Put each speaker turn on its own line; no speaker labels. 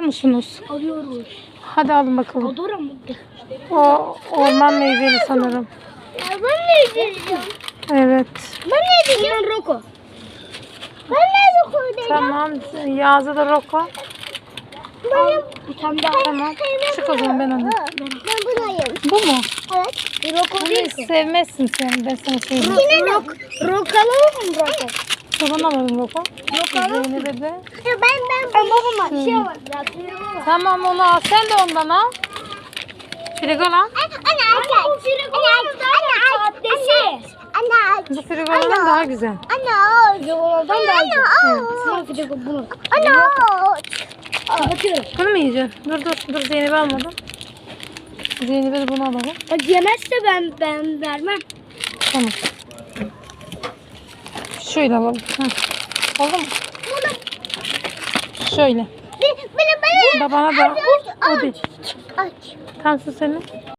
musunuz?
Alıyoruz.
Hadi alın bakalım.
Adora mı?
O orman meyveli sanırım.
Ben ne diyeceğim?
Evet.
Ben ne diyeceğim? Ben Roko. Ben ne Roko diyeceğim?
Tamam. Yazı da Roko.
Bir tane daha.
Tamam. Çık o zaman ben onu.
Ben bunu yiyeyim.
Bu mu?
Evet. Roko
Bunu
değil ki.
sevmezsin sen. Ben sana söyleyeyim.
Roko alalım mı Roko?
Baban alalım Roko. Zeynep'e de.
Ben babama şey var.
Tamam onu al. Sen de ondan al. Frigo lan.
Bu Frigo'nun daha sahtesi.
Bu Frigo'dan daha güzel.
Frigo'dan daha güzel. Sıra Frigo bunu. Kapatıyorum.
Bunu mu yiyeceksin? Dur Zeynep'i almadım. Zeynep'e de bunu alalım.
Bak yemezse ben vermem.
Tamam. Şöyle alalım. Heh. Oldu mu? Şöyle. Babana da. Hadi. Tamam su senin.